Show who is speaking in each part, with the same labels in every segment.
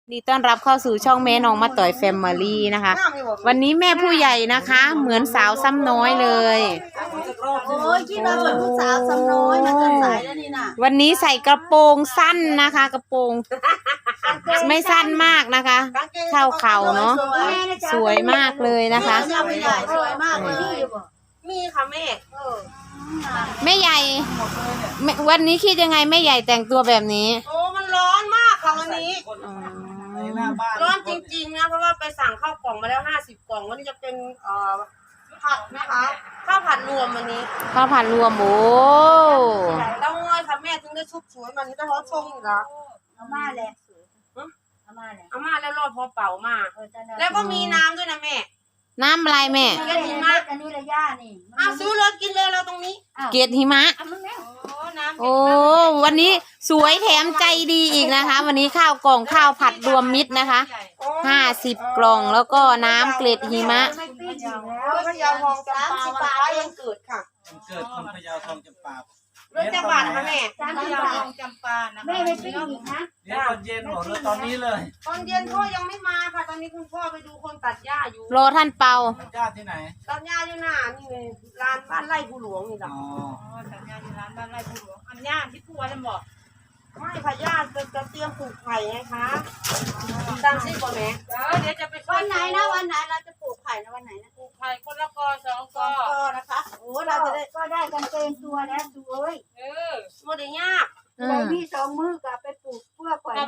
Speaker 1: นี่ต้อนรับเข้าสู่ช่องแม่น้องมาต่อยแฟมิลี่นะคะวันนี้แม่ผู้ใหญ่นะคะเหมือนสาวซ้ำน้อยเลย
Speaker 2: โอ้ยคิดว่าเหมือนผู้สาวซ้ำน้อยนะเกินสายแล้วนี่น่ะ
Speaker 1: วันนี้ใส่กระโปรงสั้นนะคะกระโปรงไม่สั้นมากนะคะเข้าเข่าเนาะสวยมากเลยนะคะ
Speaker 2: สวยมากเลย
Speaker 3: มีค่ะแม่
Speaker 1: แม่ใหญ่วันนี้คิดยังไงแม่ใหญ่แต่งตัวแบบนี้
Speaker 3: โอ้มันร้อนมากค่ะวันนี้ร้อนจริงๆนะเพราะว่าไปสั่งข้าวกล่องมาแล้ว50 กล่องวันนี้จะเป็นผัดนะคะข้าวผัดรวมวันนี้
Speaker 1: ข้าวผัดรวมโอ้
Speaker 3: แล้วง่อยค่ะแม่ถึงได้ชุบสวยมันนี้ก็ร้อนชงอยู่แล้ว
Speaker 2: อาม่าแหละ
Speaker 3: อาม่าแล้วรอดพอเป่ามาแล้วก็มีน้ำด้วยนะแม่
Speaker 1: น้ำอะไรแม่
Speaker 2: เกล็ดหิมะอันนี้ระยะนี่
Speaker 3: ซื้อเลยกินเลยเราตรงนี้
Speaker 1: เกล็ดหิมะโอ้วันนี้สวยแถมใจดีอีกนะคะวันนี้ข้าวกล่องข้าวผัดรวมมิตรนะคะ50 กล่องแล้วก็น้ำเกล็ดหิมะ
Speaker 3: พะเยาทองจำปายังเกิดค่ะ
Speaker 4: เกิดคนพะเยาทองจำปา
Speaker 3: เรื่องจังหวัดค่ะแม่
Speaker 2: พะเยาทองจำปานะแม่ไม่ปิ้งอีกนะ
Speaker 4: เดี๋ยวตอนเย็นหมดเลยตอนนี้เลย
Speaker 3: ตอนเย็นพ่อยังไม่มาค่ะตอนนี้คุณพ่อไปดูคนตัดหญ้าอยู่
Speaker 1: รอท่านเปา
Speaker 4: ญาติที่ไหน
Speaker 3: ตัดหญ้าอยู่หน้านี่เลยร้านบ้านไร่ผู้หลวงนี่จ้ะ
Speaker 2: ตัดหญ้าที่ร้านบ้านไร่ผู้หลวงอันหญ้าที่พัวจะบอก
Speaker 3: ไม่ค่ะญาติจะเตรียมปลูกไผ่ไงคะตามซี่ก่อนแม่
Speaker 2: เดี๋ยวจะไปวันไหนนะวันไหนเราจะปลูกไผ่นะวันไหนนะ
Speaker 3: ปลูกไผ่คนละกอ2 กอ
Speaker 2: นะคะโอ้เราจะได้ก็ได้กันเต็มตัวแล้วดูเอ้ย
Speaker 3: โมเดลยาก
Speaker 2: ไปพี่2 มื้อกับไปปลูกเพื่อก่อน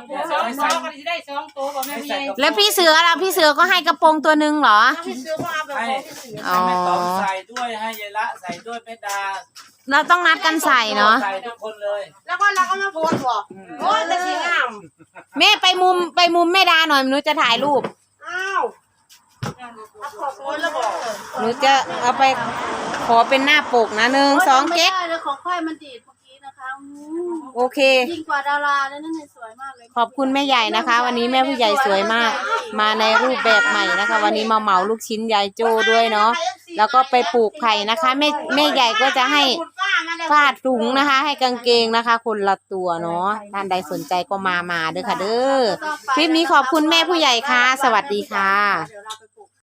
Speaker 3: 2 กันจะได้2 ตัวบอกแม่พี่
Speaker 1: แล้วพี่เสือล่ะพี่เสือก็ให้กระโปรงตัวนึงเหรอ
Speaker 3: พี่เสือก็เอาแบบของพี่เสือ
Speaker 4: ให้แม่ต๋อมใส่ด้วยให้ยายละใส่ด้วยแม่ดา
Speaker 1: เราต้องนัดกันใส่เนาะ
Speaker 4: ใส่ทุกคนเลย
Speaker 3: แล้วก็เราก็มาโพสต์บอกโอ้ยจะสีงาม
Speaker 1: แม่ไปมุมแม่ดาหน่อยหนูจะถ่ายรูป
Speaker 3: อ้าวขอบคุณแล้วบอก
Speaker 1: หนูจะเอาไปขอเป็นหน้าปกนะ1 2เก๊ก
Speaker 2: ของค่อยมันดีดเมื่อกี้นะคะ
Speaker 1: โอเค
Speaker 2: ยิ่งกว่าดาราแล้วนั่นสวยมากเลย
Speaker 1: ขอบคุณแม่ใหญ่นะคะวันนี้แม่ผู้ใหญ่สวยมากมาในรูปแบบใหม่นะคะวันนี้มาเหมาลูกชิ้นยายโจ้ด้วยเนาะแล้วก็ไปปลูกไผ่นะคะแม่ใหญ่ก็จะให้ผ้าถุงนะคะให้กางเกงนะคะคนละตัวเนาะท่านใดสนใจก็มาเด้อค่ะเด้อคลิปนี้ขอบคุณแม่ผู้ใหญ่ค่ะสวัสดีค่ะ